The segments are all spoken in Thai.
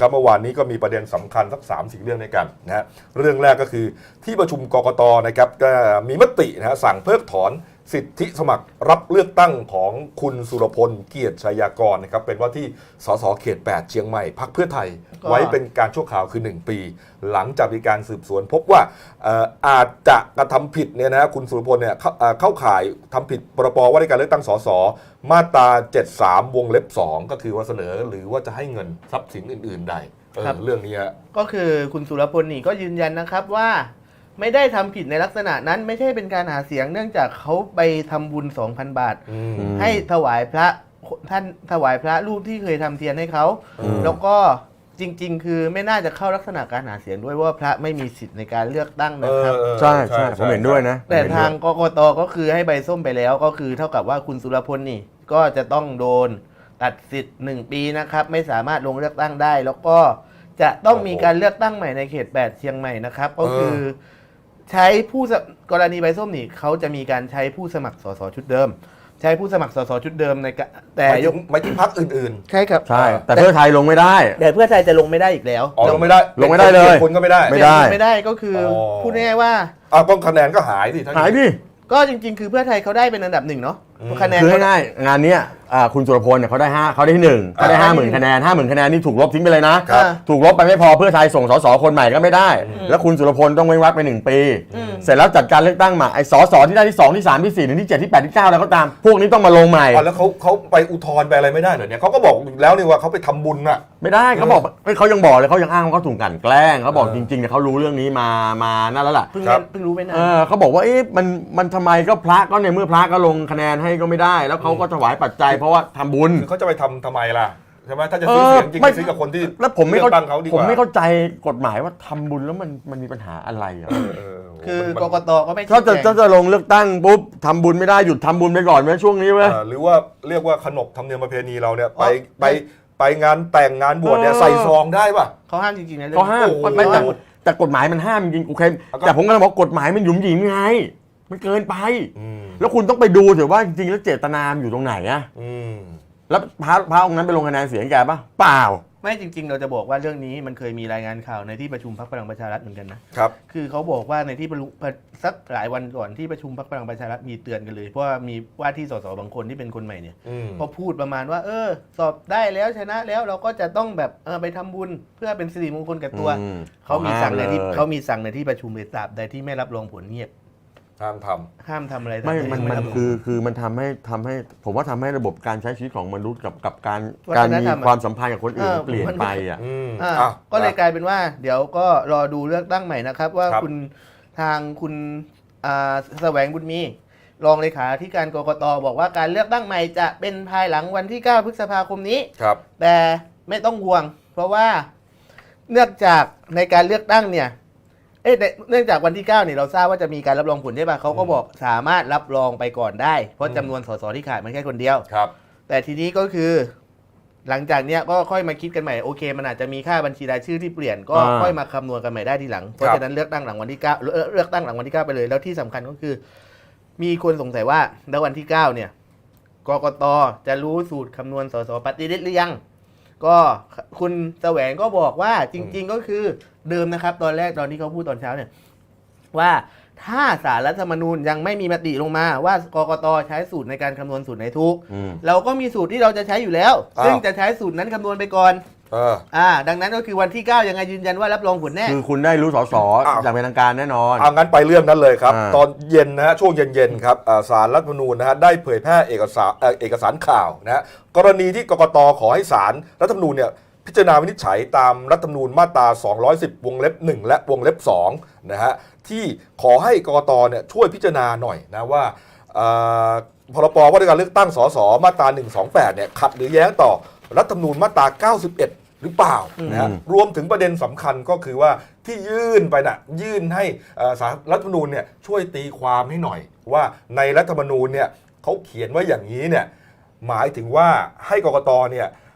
ครับเมื่อวานนี้ก็มีประเด็นสำคัญสัก 3-4 เรื่องด้วยกันนะฮะเรื่องแรกก็คือที่ประชุมกกตนะครับก็มีมตินะฮะสั่งเพิกถอนสิทธิสมัครรับเลือกตั้งของคุณสุรพลเกียรติชัยากรนะครับเป็นว่าที่สสเขต 8 เชียงใหม่พรรคเพื่อไทยไว้เป็นการชั่วคราวคือ 1 ปี หลังจากมีการสืบสวนพบว่าอาจจะกระทำผิดเนี่ยนะคุณสุรพลเนี่ยเข้าข่ายทำผิดพรบว่าด้วยการเลือกตั้งสสมาตรา 73 วงเล็บ 2 ก็คือว่าเสนอหรือว่าจะให้เงินทรัพย์สินอื่นๆใดเรื่องนี้ก็คือคุณสุรพลนี่ก็ยืนยันนะครับว่าไม่ได้ทำผิดในลักษณะนั้นไม่ใช่เป็นการหาเสียงเนื่องจากเขาไปทำบุญ 2,000 บาทให้ถวายพระท่านถวายพระรูปที่เคยทำเทียนให้เขาแล้วก็จริงๆคือไม่น่าจะเข้าลักษณะการหาเสียงด้วยว่าพระไม่มีสิทธิ์ในการเลือกตั้งนะครับใช่ใช่ผมเห็นด้วยนะแต่ทางกกตก็คือให้ใบส้มไปแล้วก็คือเท่ากับว่าคุณสุรพลนี่ก็จะต้องโดนตัดสิทธิ์1 ปีนะครับไม่สามารถลงเลือกตั้งได้แล้วก็จะต้องมีการเลือกตั้งใหม่ในเขต 8 เชียงใหม่นะครับก็คือใช้กรณีใบส้มนี่เขาจะมีการใช้ผู้สมัครสสชุดเดิมใช้ผู้สมัครสสชุดเดิมในแต่ไม่ที่พรรคอื่นๆใช่ครับใช่แต่เพื่อไทยลงไม่ได้แต่เพื่อไทยจะลงไม่ได้อีกแล้วลงไม่ได้เลยคนก็ไม่ได้ไม่ได้ก็คือพูดง่ายๆว่าก็คะแนนก็หายดิก็จริงๆคือเพื่อไทยเขาได้เป็นอันดับ 1เนาะคะแนนคือง่ายๆงานนี้คุณสุรพลเนี่ยเขาได้ที่1เขาได้ 50,000 คะแนน 50,000 คะแนนนี่ถูกลบทิ้งไปเลยนะถูกลบไปไม่พอเพื่อไทยส่งสสคนใหม่ก็ไม่ได้แล้วคุณสุรพลต้องเว้นวรรคไป1 ปีเสร็จแล้วจัดการเลือกตั้งใหม่ไอ้สสที่ได้ที่2ที่3ที่4ถึงที่7ที่8ที่9แล้วก็ตามพวกนี้ต้องมาลงใหม่แล้วเขาไปอุทธรณ์ไปอะไรไม่ได้เหรอเนี่ยเขาก็บอกแล้วนี่ว่าเขาไปทำบุญน่ะไม่ได้เขาบอกเขายังบอกเลยเขายังอ้างว่าเขาถูกกลั่นแกล้งเขาบอกจริงๆเนี่ยเขารู้เรื่องนี้มานั่นแล้วล่ะเพิ่งรู้ไม่นานเขาบอกว่ามันทำไมก็พระก็ในเมื่อพระก็ลงคะแนนให้ก็ไม่ได้แล้วเขาก็ถวายปัจจัยเพราะว่าทำบุญเขาจะไปทำไมล่ะใช่ไหมถ้าจะซื้อเสียงจริงซื้อกับคนที่แล้วผมไม่เข้าใจกฎหมายว่าทำบุญแล้วมันมีปัญหาอะไรคือกกตก็ไม่ถ้าจะลงเลือกตั้งปุ๊บทำบุญไม่ได้หยุดทำบุญไปก่อนไหมช่วงนี้ไหมหรือว่าเรียกว่าขนบธรรมเนียมประเพณีเราเนี่ยไปงานแต่งงานบวชเนี่ยใส่ซองได้ป่ะเขาห้ามจริงๆนะเขาห้ามแต่กฎหมายมันห้ามจริงโอเคแต่ผมก็บอกกฎหมายมันหยุมหยิมไงมันเกินไปแล้วคุณต้องไปดูเถอะว่าจริงๆแล้วเจตนาอยู่ตรงไหนอะแล้วพระองค์นั้นไปลงคะแนนเสียงแกป่ะเปล่าไม่จริงๆเราจะบอกว่าเรื่องนี้มันเคยมีรายงานข่าวในที่ประชุมพรรคพลังประชารัฐเหมือนกันนะครับคือเขาบอกว่าในที่สักหลายวันก่อนที่ประชุมพรรคพลังประชารัฐมีเตือนกันเลยเพราะว่ามีว่าที่สสบางคนที่เป็นคนใหม่เนี่ยพอพูดประมาณว่าสอบได้แล้วชนะแล้วเราก็จะต้องแบบไปทำบุญเพื่อเป็นสิริมงคลกับตัวเขามีสั่งในที่ประชุมเลยตราบใดที่ไม่รับรองผลเงียบห้ามทำอะไรไม่มันคือมันทำให้ผมว่าทำให้ระบบการใช้ชีวิตของมนุษย์กับการมีความสัมพันธ์กับคนอื่นเปลี่ยนไปก็เลยกลายเป็นว่าเดี๋ยวก็รอดูเลือกตั้งใหม่นะครับว่าคุณแสวงบุญมีรองเลขาธิการกกตบอกว่าการเลือกตั้งใหม่จะเป็นภายหลังวันที่ 9 พฤษภาคมนี้แต่ไม่ต้องห่วงเพราะว่าเนื่องจากในการเลือกตั้งเนี่ยเนื่องจากวันที่ 9 นี่เราทราบว่าจะมีการรับรองผลใช่ป่ะเขาก็บอกสามารถรับรองไปก่อนได้เพราะจำนวนสสที่ขาดมันแค่คนเดียวแต่ทีนี้ก็คือหลังจากเนี้ยก็ค่อยมาคิดกันใหม่โอเคมันอาจจะมีค่าบัญชีรายชื่อที่เปลี่ยนก็ค่อยมาคำนวณกันใหม่ได้ทีหลังเพราะฉะนั้นเลือกตั้งหลังวันที่ 9เลือกตั้งหลังวันที่ 9ไปเลยแล้วที่สำคัญก็คือมีคนสงสัยว่าแล้ววันที่ 9 เนี่ยกกตจะรู้สูตรคำนวณสสปฏิริษีหรือยังก็คุณแสวงก็บอกว่าจริงๆก็คือเดิมนะครับตอนที่เขาพูดตอนเช้าเนี่ยว่าถ้าศาลรัฐธรรมนูญยังไม่มีมติลงมาว่ากกตใช้สูตรในการคำนวณสูตรไหนถูกเราก็มีสูตรที่เราจะใช้อยู่แล้วซึ่งจะใช้สูตรนั้นคำนวณไปก่อนดังนั้นก็คือวันที่ 9 ยังไงยืนยันว่ารับรองผลแน่คือคุณได้รู้สสอย่างเป็นทางการแน่นอนงั้นไปเรื่องนั้นเลยครับตอนเย็นนะฮะช่วงเย็นๆครับศาลรัฐธรรมนูญนะฮะได้เผยแพร่เอกสารข่าวนะฮะกรณีที่กกตขอให้ศาลรัฐธรรมนูญเนี่ยพิจารณาวินิจฉัยตามรัฐธรรมนูญมาตรา210วงเล็บ1และวงเล็บ2นะฮะที่ขอให้กกตเนี่ยช่วยพิจารณาหน่อยนะว่าพรบว่าด้วยการเลือกตั้งสสมาตรา128เนี่ยขัดหรือแย้งต่อรัฐธรรมนูญมาตรา91หรือเปล่านะฮะรวมถึงประเด็นสำคัญก็คือว่าที่ยื่นไปน่ะยื่นให้ศาลรัฐธรรมนูญเนี่ยช่วยตีความให้หน่อยว่าในรัฐธรรมนูญเนี่ยเขาเขียนไว้อย่างนี้เนี่ยหมายถึงว่าให้กกตเนี่ย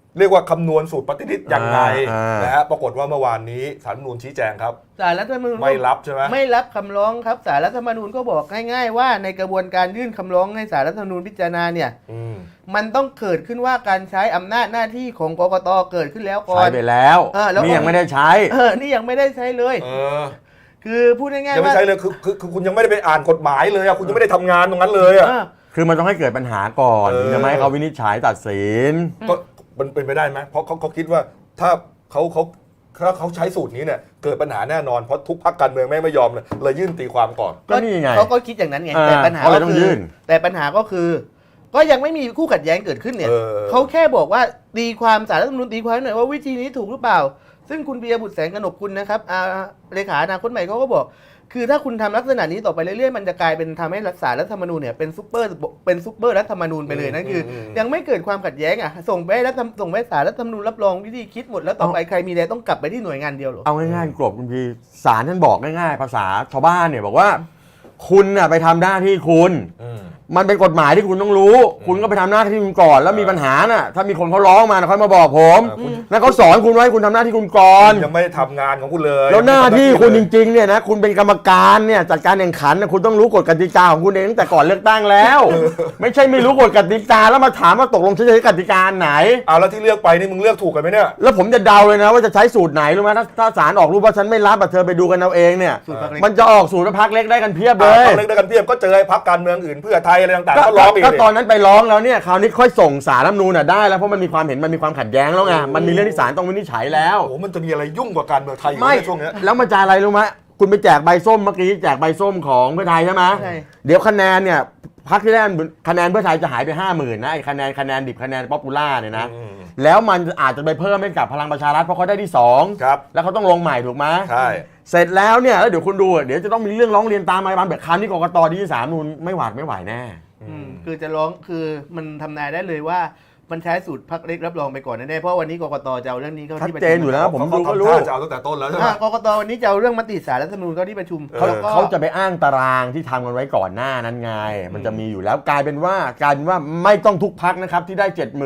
เรียกว่าคำนวณสูตรปฏิทินยังไงอ่านนะฮะปรากฏว่าเมื่อวานนี้ศาลรัฐธรรมนูญชี้แจงครับศาลรัฐธรรมนูญไม่รับใช่ไหมไม่รับคำร้องครับศาลรัฐธรรมนูญก็บอกง่ายๆว่าในกระบวนการยื่นคำร้องให้ศาลรัฐธรรมนูญพิจารณาเนี่ยอืมมันต้องเกิดขึ้นว่าการใช้อำนาจหน้าที่ของกกตเกิดขึ้นแล้วก่อใช้นไปแล้วแล้วนี่ยังไม่ได้ใช้นี่ยังไม่ได้ใช้เลยเออคือพูดง่ายยังๆไม่ว่าใช่เลยคือคุณยังไม่ได้ไปอ่านกฎหมายเลยอะคุณยังไม่ได้ทำงานตรงนั้นเลยอะเออคือมันต้องให้เกิดปัญหาก่อนเออถึงจะไม่ให้เขาวินิจฉัยตัดสินก็มันเป็นไปได้ไหมเพราะเขาคิดว่าถ้าเขาใช้สูตรนี้เนี่ยเกิดปัญหาแน่นอนเพราะทุกพรรคการเมืองไม่ยอมเลยยื่นตีความก่อนก็นี่ไงเขาก็คิดอย่างนั้นไงอ่าแต่ปัญหาเขาเลก็ยต้องคืยื่อน แต่ปัญหาก็คือ ก็ยังไม่มีคู่ขัดแย้งเกิดขึ้นเนี่ยเออเขาแค่บอกว่าตีความศาลรัฐธรรมนูญตีความหน่อยว่าวิธีนี้ถูกหรือเปล่า ซึ่งคุณปิยบุตรแสงกนกกุลนะครับเลขาอนาคตใหม่เขาก็บอก คือถ้าคุณทำลักษณะนี้ต่อไปเรื่อยๆมันจะกลายเป็นทำให้ศาลรัฐธรรมนูญเนี่ยเป็นซุปเปอร์รัฐธรรมนูญไปเลยนั่นคืออยังไม่เกิดความขัดแย้งอ่ะส่งไปให้ศาลรัฐธรรมนูญรับรองวิธีคิดหมดแล้วต่อไปใครมีอะไรต้องกลับไปที่หน่วยงานเดียวเหรอเอาง่ายๆกรบคุณพีศาลท่านบอกง่ายๆ ภาษาชาวบ้านเนี่ยบอกว่า คุณน่ะไปทำหน้าที่คุณอืมมันเป็นกฎหมายที่คุณต้องรู้ คุณก็ไปทำหน้าที่คุณก่อน แล้วมีปัญหาน่ะถ้ามีคนเขาร้องมาน่ะค่อยมาบอกผมคุณแล้วเขาสอนคุณไว้คุณทำหน้าที่คุณก่อนยังไม่ได้ทำงานของคุณเลยแล้วหน้าที่คุณจริงๆเนี่ยนะคุณเป็นกรรมการเนี่ยจัดการแข่งขันนะคุณต้องรู้กฎกติกาของคุณเองตั้งแต่ก่อนเลือกตั้งแล้ว ไม่ใช่ไม่รู้กฎกติกาแล้วมาถามว่าตกลงจะใช้กติกาไหนเอาแล้วที่เลือกไปนี่มึงเลือกถูกกันไหมเนี่ยแล้วผมจะเดาเลยนะว่าจะใช้สูตรไหนรู้ไหมถ้าศาลออกรูปว่าฉันไม่รับเธอไปดูกันเอาเองเนี่ยสูตรพรรคเล็กมันจะออกสูตรพรรคเล็กได้กันเพียบเลยต้องเลือกได้กันเพียบก็เจอไอ้พรรคการเมืองอื่นเพื่อไทยอะไรต่างๆก็ร้องอีกก็ดิตอนนั้นไปร้องแล้วเนี่ยคราวนี้ค่อยส่งศาลรัฐธรรมนูญได้แล้วเพราะมันมีความเห็นมันมีความขัดแย้งแล้วไงมันมีเรื่องที่ศาลต้องวินิจฉัยแล้วโอ้โหมันจะมีอะไรยุ่งกว่าการเมืองไทยอยู่ไม่ในช่วงเนี้ยแล้วมันจะอะไรรู้ไหมคุณไปแจกใบส้มเมื่อกี้แจกใบส้มของเพื่อไทยใช่ไหมใช่เดี๋ยวคะแนนเนี่ยพรรคที่ได้คะแนนเพื่อไทยจะหายไป 50,000นะไอ้คะแนนดิบคะแนนป๊อปปูล่าเนี่ยนะอืมแล้วมันอาจจะไปเพิ่มให้กับพลังประชารัฐเพราะเขาได้ที่2 ครับแล้วเขาต้องลงใหม่ถูกไหมใช่เสร็จแล้วเนี่ยแล้วเดี๋ยวคุณดูเดี๋ยวจะต้องมีเรื่องร้องเรียนตามมาแบบครั้งที่กกตดีที่3นูนไม่หวาดไม่ไหวแน่คือจะร้องคือมันทำนายได้เลยว่ามันใช้สูตรพรรคเล็กรับรองไปก่อนแน่ๆเพราะวันนี้กกตจะเอาเรื่องนี้เข้าชัดที่ประเจชุนอยู่แล้ว ผมเขาดูก็ทำรู้ท่าจะเอาตั้งแต่ต้นแล้วใช่ไหมกกตวันนี้จะเอาเรื่องมติศาลรัฐธรรมนูญเข้าที่ประชุมเขาจะไปอ้างตารางที่ทำกันไว้ก่อนหน้านั้นไงมันจะมีอยู่แล้วกลายเป็นว่าไม่ต้องทุกพักนะครับที่ได้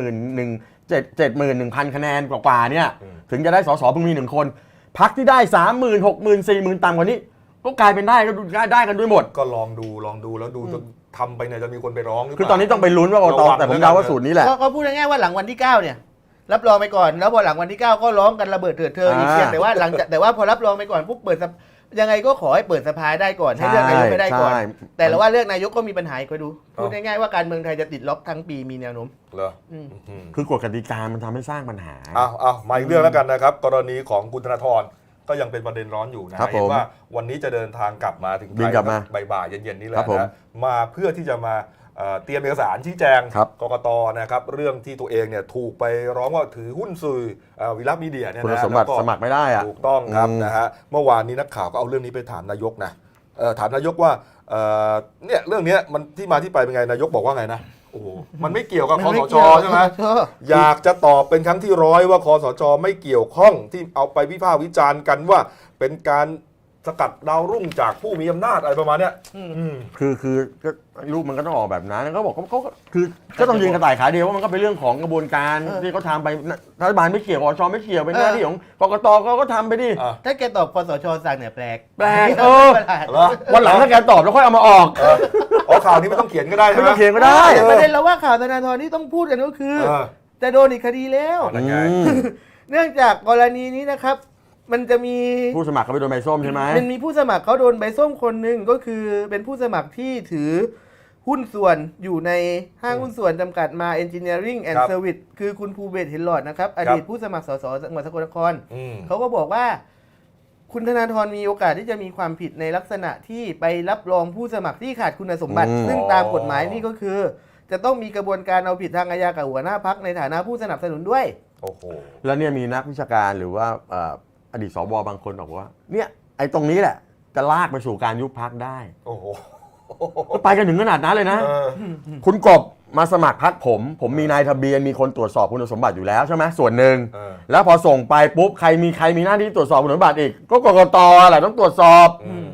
71,000 คะแนนกว่าๆเนี่ยถึงจะได้สสเพิ่งมี1คนพักที่ได้ 30,000 60,000 40,000ต่ำกว่านี้ก็กลายเป็นได้กันด้วยหมดก็ลองดูแล้วดูจนทำไปเนี่ยจะมีคนไปร้องหรือเปคือล่าตอนนี้ต้องไปลุ้นว่ากกตแต่ผมเดาว่าสูตรนี้แหละก็พูดง่ายๆว่าหลังวันที่ 9 เนี่ยรับรองไปก่อนแล้วพอหลังวันที่ 9 ก็ร้องกันระเบิดเถิดเทิงอีกเพียงแต่ว่าแต่ว่าพอรับรองไปก่อนปุ๊บเปิดยังไงก็ขอให้เปิดสภาได้ก่อนให้เลือกนายกไม่ได้ก่อนใช่แต่ละว่าเลือกนายกก็มีปัญหาอีกไปดูพูดง่ายๆว่าการเมืองไทยจะติดล็อกทั้งปีมีแนวโน้มเหรออืมอืมคือกฎกติกามันทำให้สร้างปัญหาเอามาอีกเรื่องแล้วกันนะครับ กรณีของคุณธนาธรก็ยังเป็นประเด็นร้อนอยู่นะครับผมเห็นว่าวันนี้จะเดินทางกลับมาถึงไทบินยกลับมาบ่ายๆเย็นๆนี่แหครัละบผมนะมาเพื่อที่จะมาเตรียมเอกสารชี้แจงครับกกตนะครับเรื่องที่ตัวเองเนี่ยถูกไปร้องว่าถือหุ้นสื่อวิลักมีเดียเนี่ยคุณนะสมบัติแล้วก็สมัครไม่ได้อะถูกต้องครับอืมนะฮะเมื่อวานนี้นักข่าวก็เอาเรื่องนี้ไปถามนายกนะถามนายกว่าเนี่ยเรื่องเนี้ยมันที่มาที่ไปเป็นไงนายกบอกว่าไงนะโอ้โหมันไม่เกี่ยวกับคสชใช่ไหมอยากจะตอบเป็นครั้งที่100ว่าคสชไม่เกี่ยวข้องที่เอาไปวิพากษ์วิจารณ์กันว่าเป็นการสกัดดาวรุ่งจากผู้มีอำนาจอะไรประมาณเนี้ยคือก็รูปมันก็ต้องออกแบบนั้นแล้วก็บอกเขาคือก็ต้องยืนกระต่ายขาเดียวว่ามันก็เป็นเรื่องของกระบวนการที่เขาทำไปรัฐบาลไม่เกี่ยวกสชไม่เกี่ยวเป็นหน้าที่ของกกตก็ทำไปดิถ้าแกตอบคสชสั่งเนี่ยแปลกแปลกประหลาดเหรอวันหลังถ้าแกตอบแล้วค่อยเอามาออกข่าวนี้ไม่ต้องเขียนก็ได้ไม่ใช่ไหมต้องเขียนก็ได้แต่ประเด็นเราว่าข่าวธนาธรที่ต้องพูดกันก็คือเออจะโดนอีกคดีแล้วนั่นไงเนื่องจากกรณีนี้นะครับ มันจะมีผู้สมัครเขาไปโดนใบส้มใช่ไหมมันมีผู้สมัครเขาโดนใบส้มคนหนึ่งก็คือเป็นผู้สมัครที่ถือหุ้นส่วนอยู่ในห้างหุ้นส่วนจำกัดมา Engineering and ครับ Service คือคุณภูเบศรเห็นหลอดนะครับ อดีตผู้สมัครสสจังหวัดสกลนครอืมเขาก็บอกว่า คุณธนาธรมีโอกาสที่จะมีความผิดในลักษณะที่ไปรับรองผู้สมัครที่ขาดคุณสมบัติ ซึ่งตามกฎหมายนี่ก็คือ จะต้องมีกระบวนการเอาผิดทางอาญากับหัวหน้าพักในฐานะผู้สนับสนุนด้วยโอ้โหแล้วเนี่ยมีนักวิชาการหรือว่าอดีตสวบางคนบอกว่าเนี่ยไอ้ตรงนี้แหละจะลากไปสู่การยุบพักได้โอ้โหก็ไปกันถึงขนาดนั้นเลยนะเออคุณกบมาสมัครพักผมมีนายทะเบียนมีคนตรวจสอบคุณสมบัติอยู่แล้วใช่ไหมส่วนหนึ่งเออแล้วพอส่งไปปุ๊บใครมีหน้าที่ตรวจสอบคุณสมบัติอีกก็กกตแหละต้องตรวจสอบอืม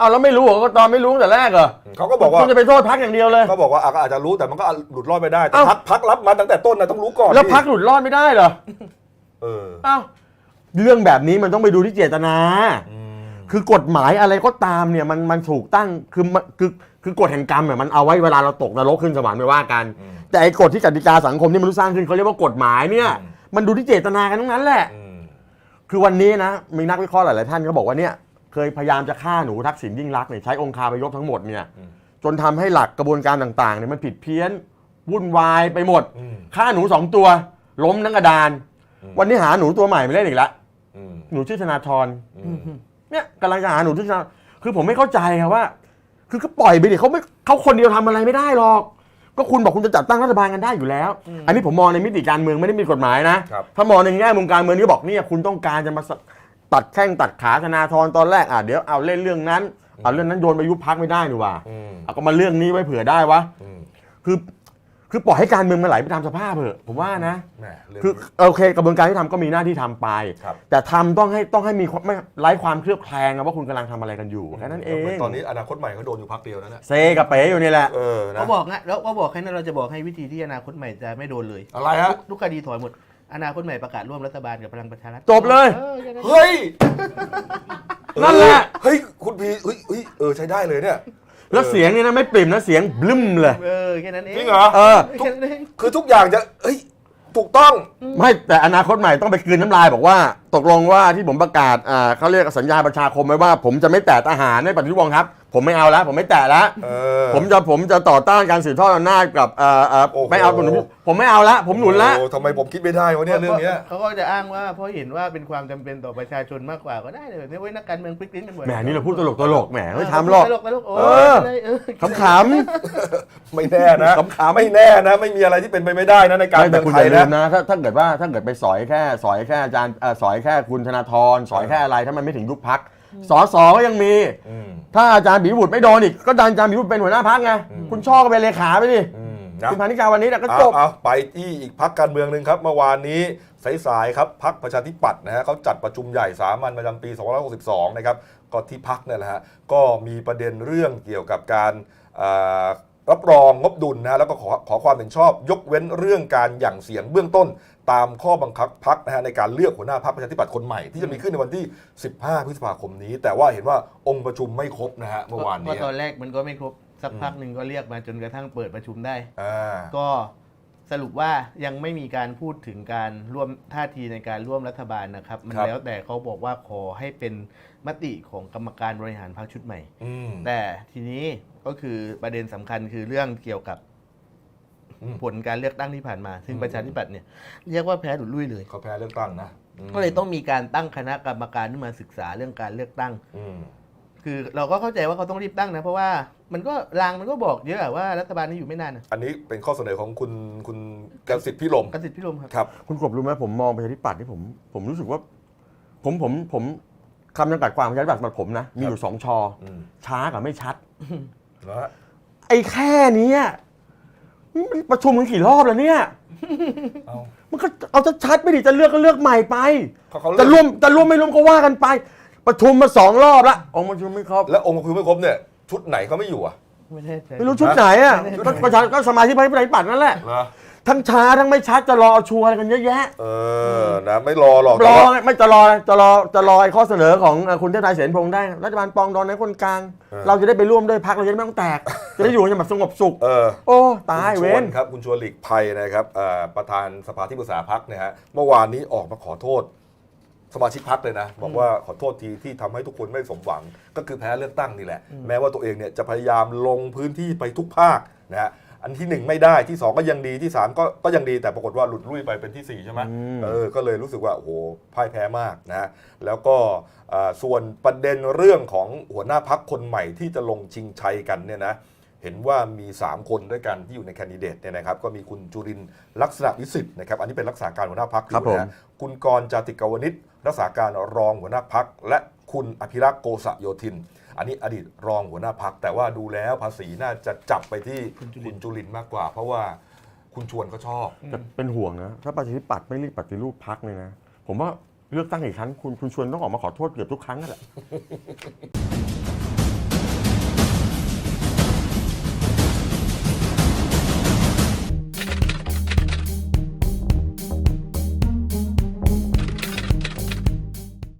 เอาแล้วไม่รู้เหรอกกตไม่รู้ตั้งแต่แรกเหรอเขาก็บอกว่าคุณจะไปโทษพักอย่างเดียวเลยเขาบอกว่าอาจจะรู้แต่มันก็หลุดรอดไม่ได้แต่เอ้าพักรับมาตั้งแต่ต้นนะต้องรู้ก่อนแล้วดิพักหลุดรอดไม่ได้เหรอเออเอ้าเรื่องแบบนี้มันต้องไปดูที่เจตนาอืมคือกฎหมายอะไรก็ตามเนี่ยมันถูกตั้งคือกฎแห่งกรรมเนี่ยมันเอาไว้เวลาเราตกนรกขึ้นสวรรค์ไม่ว่ากัน แต่ไอ้กฎที่กติกาสังคมที่มนุษย์สร้างขึ้นเขาเรียกว่ากฎหมายเนี่ยมันดูที่เจตนากันทั้งนั้นแหละ คือวันนี้นะมีนักวิเคราะห์หลายๆท่านก็บอกว่าเนี่ยเคยพยายามจะฆ่าหนูทักษิณยิ่งลักษณ์เนี่ยใช้องคาพยพทั้งหมดเนี่ยจนทำให้หลักกระบวนการต่างๆเนี่ยมันผิดเพี้ยนวุ่นวายไปหมดฆ่าหนู2 ตัวล้มทั้งกระดาน วันนี้หาหนูตัวใหม่มาเล่นอีกแล้วหนูชื่อธนาธรเนี่ยกำลังจะหาหนูชื่อธนาคือผมไม่เข้าใจครับว่า คือก็ปล่อยไปดิเขาคนเดียวทำอะไรไม่ได้หรอก ก็คุณบอกคุณจะจัดตั้งรัฐบาลกันได้อยู่แล้ว อันนี้ผมมองในมิติการเมืองไม่ได้มีกฎหมายนะ ถ้ามองในแง่มุมการเมืองนี่บอกเนี่ยคุณต้องการจะมาตัดแข้งตัดขาธนาธรตอนแรกเดี๋ยวเอาเล่นเรื่องนั้นเอาเรื่องนั้นโยนไปยุบพักไม่ได้นี่ว่าเอาก็มาเรื่องนี้ไว้เผื่อได้วะคือปล่อยให้การเมืองมันไหลไปตามสภาพเถอะผมว่านะคือโอเคกระบวนการที่ทำก็มีหน้าที่ทำไปแต่ทำต้องให้มีไม่ไร้ความเคลือบแคลงว่าคุณกำลังทำอะไรกันอยู่แค่นั้นเองตอนนี้อนาคตใหม่เขาโดนอยู่พักเดียวนะเซกับเป๋อยู่นี่แหละเขาบอกงั้นแล้วก็บอกให้เราจะบอกให้วิธีที่อนาคตใหม่จะไม่โดนเลยอะไรฮะทุกคดีถอยหมดอนาคตใหม่ประกาศร่วมรัฐบาลกับพลังประชารัฐจบเลยเฮ้ยนั่นแหละเฮ้ยคุณพีเฮ้ยใช้ได้เลยเนี่ยแล้วเสียงนี่นะไม่ปริ่มนะเสียงบลึ้มเลยแค่นั้นเองจริงเหรอคือทุกอย่างจะถูกต้องไม่แต่อนาคตใหม่ต้องไปคืนน้ำลายบอกว่าตกลงว่าที่ผมประกาศเขาเรียกสัญญาประชาคมไว้ว่าผมจะไม่แตะทหารในปฏิรูปกองทัพผมไม่เอาแล้วผมไม่แตะแล้วผมจะต่อต้านการสืบทอดอำนาจกับไม่เอาผมไม่เอาแล้วผมหนุนแล้วทำไมผมคิดไม่ได้วะเนี่ยเรื่องนี้เขาก็จะอ้างว่าเพราะเห็นว่าเป็นความจำเป็นต่อประชาชนมากกว่าก็ได้เลยเนี่ยเว้ยนักการเมืองพลิกลิ้นกันหมดแหมนี่เราพูดตลกแหมไม่ทำหรอกขำไม่แน่นะไม่แน่นะไม่มีอะไรที่เป็นไปไม่ได้นะในการเมืองไทยนะถ้าเกิดไปสอยแค่อาจารย์สอยแค่คุณธนาธรสอยแค่อะไรถ้ามันไม่ถึงยุบพรรคสสก็ยังมีถ้าอาจารย์ปิยบุตรไม่โดนอีกก็ดันอาจารย์ปิยบุตรเป็นหัวหน้าพรรคไงคุณช่อก็เป็นเลขาไปดิคุณพานิกาวันนี้ก็จบไปที่อีกพรรคการเมืองนึงครับเมื่อวานนี้สายๆครับพรรคประชาธิปัตย์นะฮะเขาจัดประชุมใหญ่สามัญประจำปี2562นะครับก็ที่พรรคเนี่ยแหละฮะก็มีประเด็นเรื่องเกี่ยวกับการรับรองงบดุลนะแล้วก็ขอความเห็นชอบยกเว้นเรื่องการหยั่งเสียงเบื้องต้นตามข้อบังคับพรรคนะฮะในการเลือกหัวหน้าพรรคประชาธิปัตย์คนใหม่ที่จะมีขึ้นในวันที่15พฤษภาคมนี้แต่ว่าเห็นว่าองค์ประชุมไม่ครบนะฮะเมื่อวานนี้ตอนแรกมันก็ไม่ครบสักพักหนึ่งก็เรียกมาจนกระทั่งเปิดประชุมได้ก็สรุปว่ายังไม่มีการพูดถึงการร่วมท่าทีในการร่วมรัฐบาลนะครับมันแล้วแต่เขาบอกว่าขอให้เป็นมติของกรรมการบริหารพรรคชุดใหม่แต่ทีนี้ก็คือประเด็นสำคัญคือเรื่องเกี่ยวกับผลการเลือกตั้งที่ผ่านมาซึ่งประชาธิปัตย์เนี่ยเรียกว่าแพ้หลุดลุ่ยเลยเขาแพ้เลือกตั้งนะก็เลยต้องมีการตั้งคณะกรรมการขึ้นมาศึกษาเรื่องการเลือกตั้งคือเราก็เข้าใจว่าเขาต้องรีบตั้งนะเพราะว่ามันก็รางมันก็บอกเยอะว่ารัฐบาลนี้อยู่ไม่นานอันนี้เป็นข้อเสนอของคุณกสิทธิ์พิรมครับคุณกบรู้ไหมผมมองประชาธิปัตย์ที่ผมรู้สึกว่าผมคำจำกัดความประชาธิปัตย์สำหรับผมนะมีอยู่2 ชอช้ากับไม่ชัดไอ้แค่นี้ประชุมกันกี่รอบแล้วเนี่ยมันก็เอาชัดๆไม่ดิจะเลือกก็เลือกใหม่ไปจะร่วมไม่ร่วมก็ว่ากันไปประชุมมา2 รอบละองค์ประชุมไม่ครบแล้วองค์ประชุมไม่ครบเนี่ยชุดไหนเขาไม่อยู่ไม่รู้ชุดไหนประชาชนก็สมาชิกพรรคประชาธิปัตย์นั่นแหละทั้งช้าทั้งไม่ชัดจะรอชัวร์กันเยอะแยะนะไม่รอหรอกไม่จะรอข้อเสนอของคุณเทพไทยเสนพงษ์ได้รัฐบาลปองดองในคนกลางเราจะได้ไปร่วมด้วยพรรคเราจะได้ไม่ต้องแตกจะได้อยู่กันแบบสงบสุขโอ้ตายเว้นครับคุณชวนหลีกภัยนะครับประธานสภาที่ปรึกษาพรรคเนี่ยฮะเมื่อวานนี้ออกมาขอโทษสมาชิกพรรคเลยนะบอกว่าขอโทษทีที่ทำให้ทุกคนไม่สมหวังก็คือแพ้เลือกตั้งนี่แหละแม้ว่าตัวเองเนี่ยจะพยายามลงพื้นที่ไปทุกภาคนะฮะอันที่1ไม่ได้ที่2ก็ยังดีที่3ก็ยังดีแต่ปรากฏว่าหลุดลุ่ยไปเป็นที่4ใช่ไหมก็เลยรู้สึกว่าโอ้โหพ่ายแพ้มากนะแล้วก็ส่วนประเด็นเรื่องของหัวหน้าพรรคคนใหม่ที่จะลงชิงชัยกันเนี่ยนะเห็นว่ามี3คนด้วยกันที่อยู่ในแคนดิเดตเนี่ยนะครับก็มีคุณจุรินทร์ลักษณะวิสิทธิ์นะครับอันนี้เป็นรักษาการหัวหน้าพรรคอยู่นะคุณกรณ์ จาติกาวนิชรักษาการรองหัวหน้าพรรคและคุณอภิรักษ์ โกษโยธินอันนี้อดีตรองหัวหน้าพรรคแต่ว่าดูแล้วภาษีน่าจะจับไปที่คุณจุรินทร์มากกว่าเพราะว่าคุณชวนก็ชอบเป็นห่วงนะถ้าประชาธิปัตย์ไม่รีบปฏิรูปพรรคเลยนะผมว่าเลือกตั้งอีกครั้งคุณชวนต้องออกมาขอโทษเกือบทุกครั้งนั่นแหละ